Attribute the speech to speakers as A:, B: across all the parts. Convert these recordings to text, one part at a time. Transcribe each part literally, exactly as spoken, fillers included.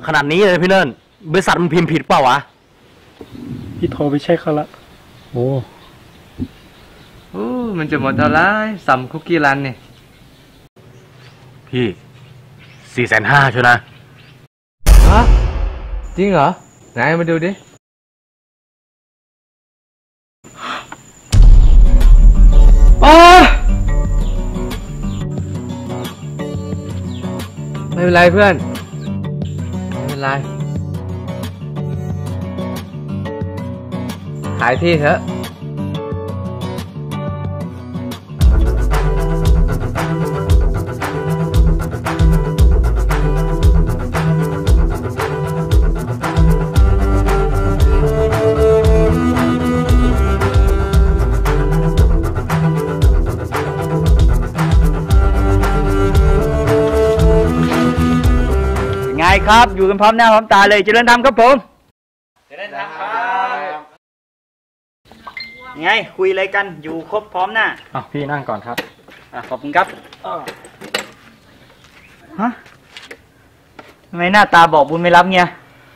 A: ขนาดนี้เลยพี่เนิ่นบริษัทมันพิมพ์ผิดเปล่าวะ
B: พี่โทรไปเช็คเขาละ
A: โอ้
C: โอ้มันจะหมดเท่าไรซัมคุกกี้รันเนี่ย
A: พี่สี่แสนห้าใช่นะ
C: ฮะจริงเหรอไหนมาดูดิอ๋อไม่เป็นไรเพื่อนไม่เป็นไรขายที่เถอะ
D: ไงครับอยู่กันพร้อมหน้าพร้อมตาเลยเจริญธรรมครับผม
C: เจริญธรรมครับ
D: ไงคุยอะไรกันอยู่ครบพร้อมหน้า
A: อ่ะพี่นั่งก่อนครับ
D: อ่ะขอบคุณครับฮะทำไมหน้าตาบอกบุญไม่รับเงี้ย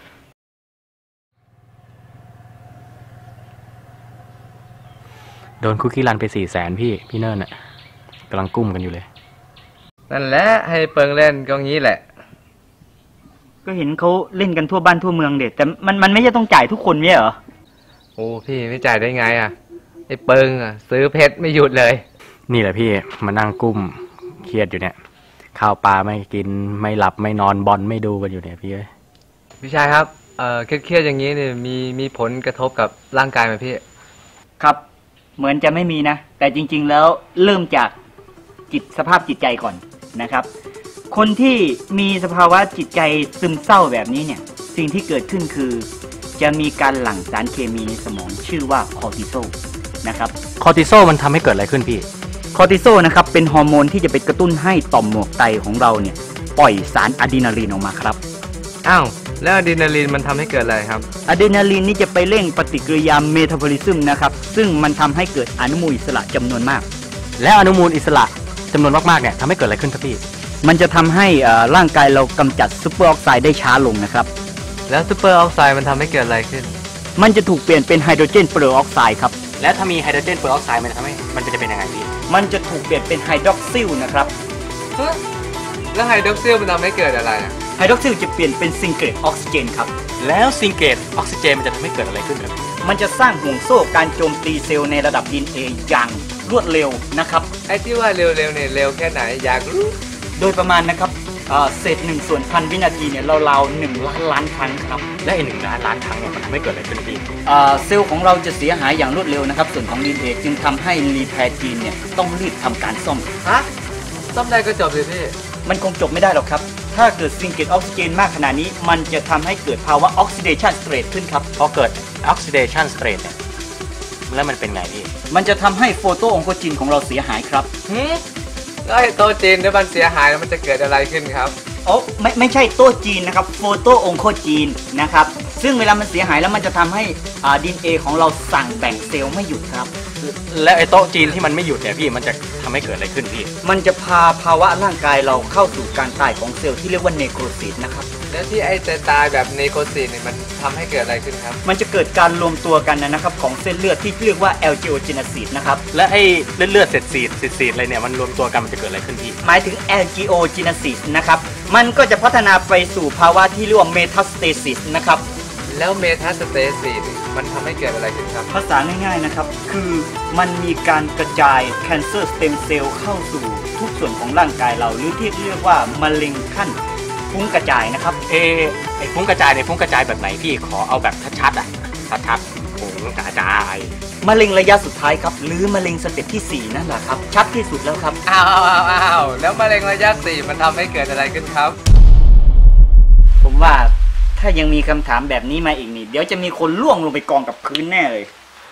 A: โดนคุกกี้รันไปสี่แสนพี่พี่เนิ่นน่ะกำลังกุ้มกันอยู่เลย
C: นั่นแหละให้เปิงเล่นก็งี้แหละ
D: ก็เห็นเขาเล่นกันทั่วบ้านทั่วเมืองเด็ดแต่มันมันไม่ใช่ต้องจ่ายทุกคนเนี่ยเหรอ
C: โอ้พี่ไม่จ่ายได้ไงอ่ะไอ้เปิงอ่ะซื้อเพชรไม่หยุดเลย
A: นี่แหละพี่มานั่งกุ้มเครียดอยู่เนี่ยข้าวปลาไม่กินไม่หลับไม่นอนบอลไม่ดูกันอยู่เนี่ยพี่เอ้ย
C: พี่ชายครับเอ่อเครียดๆอย่างนี้เนี่ยมีมีผลกระทบกับร่างกายไหมพี่
D: ครับเหมือนจะไม่มีนะแต่จริงๆแล้วเริ่มจากจิตสภาพจิตใจก่อนนะครับคนที่มีสภาวะจิตใจซึมเศร้าแบบนี้เนี่ยสิ่งที่เกิดขึ้นคือจะมีการหลั่งสารเคมีในสมองชื่อว่าคอร์ติโซลนะครับ
A: คอร์ติโซลมันทำให้เกิดอะไรขึ้นพี่
D: คอร์ติโซลนะครับเป็นฮอร์โมนที่จะไปกระตุ้นให้ต่อมหมวกไตของเราเนี่ยปล่อยสารอะดรีนาลีนออกมาครับ
C: อ้าวแล้วอะดรีนาลีนมันทำให้เกิดอะไรครับ
D: อะดรีนาลีนนี่จะไปเร่งปฏิกิริยาเมตาบอลิซึมนะครับซึ่งมันทำให้เกิดอนุมูลอิสระจำนวนมาก
A: และอนุมูลอิสระจำนวนมากๆเนี่ยทำให้เกิดอะไรขึ้นครับพี่
D: มันจะทำให้ร่างกายเรากำจัดซูเปอร์ออกไซด์ได้ช้าลงนะครับ
C: แล้วซูเปอร์ออกไซด์มันทำให้เกิดอะไรขึ้น
D: มันจะถูกเปลี่ยนเป็นไฮโดรเจนเปอร์ออกไซด์ครับ
A: และถ้ามีไฮโดรเจนเปอร์ออกไซด์มันทำให้มันจะเป็นยังไงพี่
D: มันจะถูกเปลี่ยนเป็นไฮดรอกซิลนะครับ
C: แล้วไฮดรอกซิลมันทำให้เกิดอะไร
D: ไฮดรอกซิลจะเปลี่ยนเป็นซิงเกิลออกซิเจนครับ
A: แล้วซิงเกิลออกซิเจนมันจะทำให้เกิดอะไรขึ้นครับ
D: มันจะสร้างห่วงโซ่การโจมตีเซลล์ในระดับ ดี เอ็น เอ อย่างรวดเร็วนะครับ
C: ไอ้ที่ว่าเร็วๆเนี่ยเร็วแค่ไหนอยากรู้
D: โดยประมาณนะครับเศษหนึ่งส่วนพันวินาทีเนี่ยราวๆหนึ่งล้านล้านครั้งครับ
A: และไอ้หนึ่งล้านล้านครั้งเนี่ยมันทำให้เกิดอะไรขึ้นพี่
D: เซลล์ของเราจะเสียหายอย่างรวดเร็วนะครับส่วนของ ดี เอ็น เอ จึงทำให้รีแพร์จีนเนี่ยต้องรีบทำการซ่อม
C: ฮะซ่อมได้ก็จบเลยพี่
D: มันคงจบไม่ได้หรอกครับถ้าเกิดซิงเกิลออกซิเจนมากขนาดนี้มันจะทำให้เกิดภาวะออกซิเดชันสเตรทขึ้นครับ
A: พอเกิดออกซิเดชันสเตรทเนี่ยแล้วมันเป็นไงพี่
D: มันจะทำให้โฟโตองโคจินของเราเสียหายครับ
C: แล้วไอ้โตจีนถ้ามันเสียหายแล้วมันจะเกิดอะไรขึ้นครับ
D: โอ้ไม่ไม่ใช่โต๊ะจีนนะครับโฟโตองโคจีนนะครับซึ่งเวลามันเสียหายแล้วมันจะทำให้อ่า ดี เอ็น เอ ของเราสั่งแบ่งเซลล์ไม่หยุดครับ
A: แล้วไอ้โต๊ะจีนที่มันไม่หยุดเนี่ยพี่มันจะทำให้เกิดอะไรขึ้นพี่
D: มันจะพาภาวะร่างกายเราเข้าสู่การตายของเซลล์ที่เรียกว่าเนโครซิสนะครับ
C: แล้วที่ไอ้จะตายแบบเนโครซิสเนี่ยมันทำให้เกิดอะไรขึ้นครับ
D: มันจะเกิดการรวมตัวกันนะครับของเส้นเลือดที่เรียกว่าแอลจิโอเจเนซิสนะครับ
A: และไอ้เลือดเลือดเศษสีดสีดอะไรเนี่ยมันรวมตัวกันมันจะเกิดอะไรขึ้นพี่
D: หมายถึงแอลจิโอเจเนซิสนะครับมันก็จะพัฒนาไปสู่ภาวะที่เรียกว่าเมทาสเตซิสนะครับ
C: แล้วเมทาสเตซิสมันทำให้เกิดอะไรขึ้นครับ
D: ภาษาง่ายๆนะครับคือมันมีการกระจายแคนเซอร์สเต็มเซลล์เข้าสู่ทุกส่วนของร่างกายเราหรือที่เรียกว่ามะเร็งขั้นฟุ้งกระจายนะครับ
A: เอไอฟุ้งกระจายในฟุ้งกระจายแบบไหนพี่ขอเอาแบบชัดๆอ่ะชัดๆฟุ้งกระจาย
D: มะเร็งระยะสุดท้ายครับหรือมะเร็งสเต็ปที่สี่นั่นแหละครับชัดที่สุดแล้วครับ
C: อ้าวอ้าวแล้วมะเร็งระยะสี่มันทำให้เกิดอะไรขึ้นครับ
D: ผมว่าถ้ายังมีคำถามแบบนี้มาอีกนี่เดี๋ยวจะมีคนล่วงลงไปกองกับพื้นแน่เลย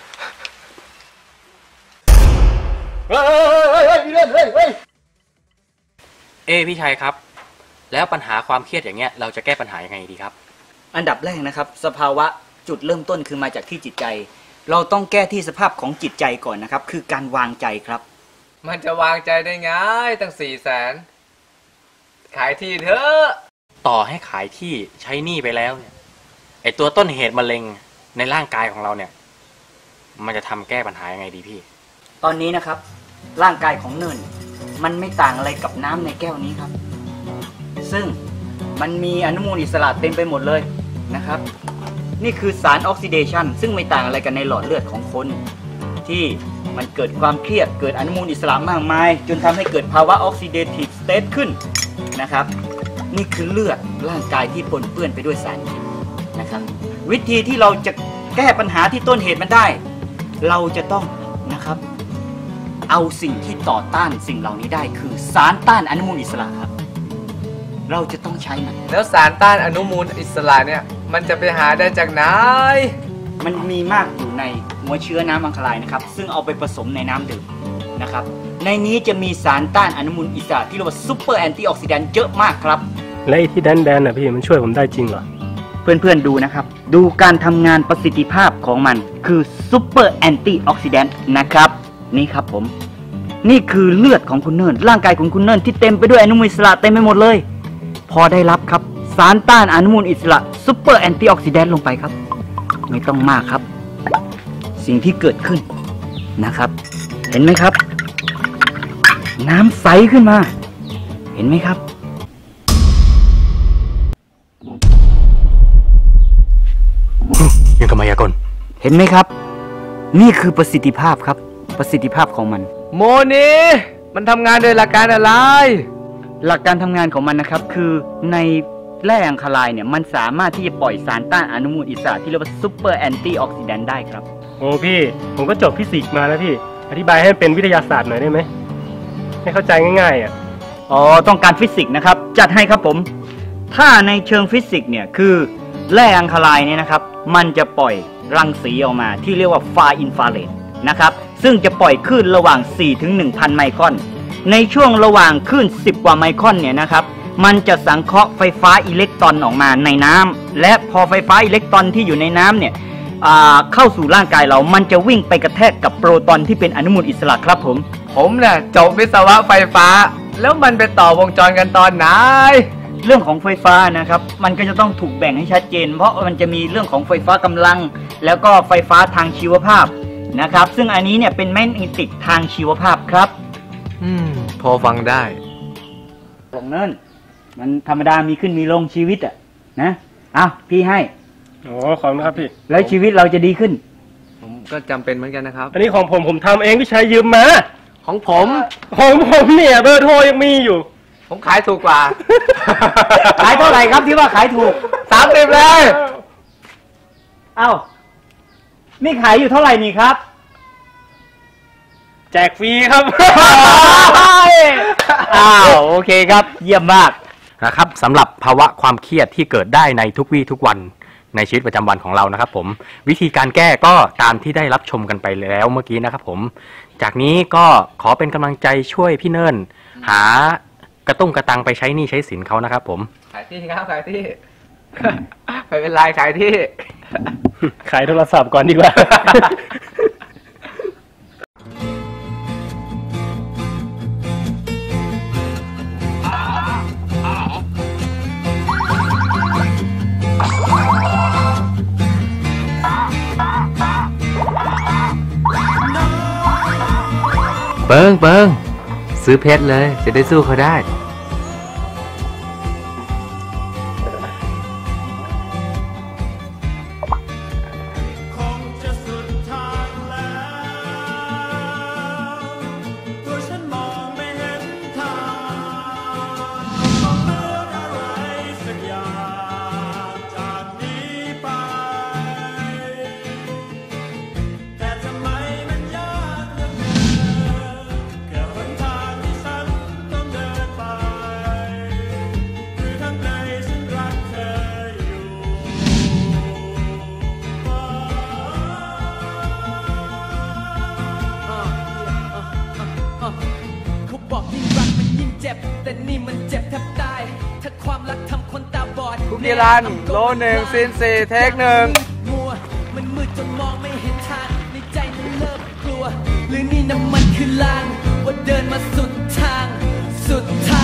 A: เฮ้ยเฮ้ยเฮ้ยเฮ้ยเฮ้ยเอพี่ชัยครับแล้วปัญหาความเครียดอย่างเงี้ยเราจะแก้ปัญหายังไงดีครับ
D: อันดับแรกนะครับสภาวะจุดเริ่มต้นคือมาจากที่จิตใจเราต้องแก้ที่สภาพของจิตใจก่อนนะครับคือการวางใจครับ
C: มันจะวางใจได้ไงตั้งสี่แสนขายที่เถอะ
A: ต่อให้ขายที่ใช้หนี้ไปแล้วเนี่ยไอตัวต้นเหตุมะเร็งในร่างกายของเราเนี่ยมันจะทำแก้ปัญหายังไงดีพี่
D: ตอนนี้นะครับร่างกายของเนินมันไม่ต่างอะไรกับน้ำในแก้วนี้ครับซึ่งมันมีอนุมูลอิสระเต็มไปหมดเลยนะครับนี่คือสารออกซิเดชันซึ่งไม่ต่างอะไรกันในหลอดเลือดของคนที่มันเกิดความเครียดเกิดอนุมูลอิสระมากมายจนทำให้เกิดภาวะออกซิเดทีฟสเตทขึ้นนะครับนี่คือเลือดร่างกายที่ปนเปื้อนไปด้วยสารพิษนะครับวิธีที่เราจะแก้ปัญหาที่ต้นเหตุมันได้เราจะต้องนะครับเอาสิ่งที่ต่อต้านสิ่งเหล่านี้ได้คือสารต้านอนุมูลอิสระครับเราจะต้องใช้มัน
C: แล้วสารต้านอนุมูลอิสระเนี่ยมันจะไปหาได้จากไหน
D: มันมีมากอยู่ในหัวเชื้อน้ำอังคารายนะครับซึ่งเอาไปผสมในน้ำดื่มนะครับในนี้จะมีสารต้านอนุมูลอิสระที่เรียกว่าซูเปอร์แอนตี้ออกซิแดนต์เยอะมากครับ
B: และไอ้ที่แดนๆน่ะพี่มันช่วยผมได้จริงเหรอ
D: เพื่อนๆดูนะครับดูการทำงานประสิทธิภาพของมันคือซูเปอร์แอนตี้ออกซิแดนต์นะครับนี่ครับผมนี่คือเลือดของคุณเนินร่างกายของคุณเนินที่เต็มไปด้วยอนุมูลอิสระเต็มไปหมดเลยพอได้รับครับสารต้านอนุมูลอิสระซูเปอร์แอนตี้ออกซิแดนต์ลงไปครับไม่ต้องมากครับสิ่งที่เกิดขึ้นนะครับเห็นไหมครับน้ำใสขึ้นมาเห็นไหมครับ
A: ยังกมายากล
D: เห็นไหมครับนี่คือประสิทธิภาพครับประสิทธิภาพของมัน
C: โมนีมันทำงานโดยหลักการอะไร
D: หลักการทำงานของมันนะครับคือในแร่อังคารายเนี่ยมันสามารถที่จะปล่อยสารต้านอนุมูลอิสระที่เรียกว่าซูเปอร์แอนตี้ออกซิแดนต์ได้ครับ
B: โอ้พี่ผมก็จบฟิสิกส์มาแล้วพี่อธิบายให้เป็นวิทยาศาสตร์หน่อยได้ไหมให้เข้าใจง่ายๆอ่ะ
D: อ๋อต้องการฟิสิกส์นะครับจัดให้ครับผมถ้าในเชิงฟิสิกส์เนี่ยคือแร่อังคารายเนี่ยนะครับมันจะปล่อยรังสีออกมาที่เรียกว่าฟาอินฟราเรดนะครับซึ่งจะปล่อยคลื่นระหว่าง สี่ถึงหนึ่งพัน ไมครอนในช่วงระหว่างคลื่นสิบกว่าไมครอนเนี่ยนะครับมันจะสังเคราะห์ไฟฟ้าอิเล็กตรอนออกมาในน้ำและพอไฟฟ้าอิเล็กตรอนที่อยู่ในน้ำเนี่ยเข้าสู่ร่างกายเรามันจะวิ่งไปกระแทกกับโปรตอนที่เป็นอนุมูลอิสระครับผม
C: ผมเนี่ยจบวิศวะไฟฟ้าแล้วมันไปต่อวงจรกันตอนไหน
D: เรื่องของไฟฟ้านะครับมันก็จะต้องถูกแบ่งให้ชัดเจนเพราะมันจะมีเรื่องของไฟฟ้ากำลังแล้วก็ไฟฟ้าทางชีวภาพนะครับซึ่งอันนี้เนี่ยเป็นแมกเนติกทางชีวภาพครับ
C: อืมพอฟังได้
D: ของเนินมันธรรมดามีขึ้นมีลงชีวิตอ่ะนะอ้าวพี่ให้
B: โอ้ขอบคุณครับพี่
D: แล้วชีวิตเราจะดีขึ้น
C: ผมก็จำเป็นเหมือนกันนะครับ
B: อันนี้ของผมผมทำเองพี่ชายยืมมา
C: ของผม
B: ของผมเนี่ยเบอร์โทรยังมีอยู่
C: ผมขายถูกกว่า
D: ขายเท่าไหร่ครับที่ว่าขายถูก
C: สามสิบเลย
D: เอ้านี่ขายอยู่เท่าไหร่นี่ครับ
B: แจกฟรีครับ
D: อ้าวโอเคครับเยี่ยมมาก
A: นะครับสำหรับภาวะความเครียดที่เกิดได้ในทุกวี่ทุกวันในชีวิตประจำวันของเรานะครับผมวิธีการแก้ก็ตามที่ได้รับชมกันไปแล้วเมื่อกี้นะครับผมจากนี้ก็ขอเป็นกำลังใจช่วยพี่เนินหากระตุ้งกระตังไปใช้หนี้ใช้สินเขานะครับผม
C: ขายที่ครับขายที่ไม่เป็นไรขายที่
B: ขายโทรศัพท์ก่อนดีกว่า
C: เปิงเปิงซื้อเพชรเลยจะได้สู้เขาได้
E: นิรันดร์โลหนึ่งซีนสี่เทคหนึ่งมัวมันมืดจนมองไม่เห็นทางในใจมันเริ่มกลัวหรือนี่น้ำมันคือลางว่าเดินมาสุดทางสุดทาง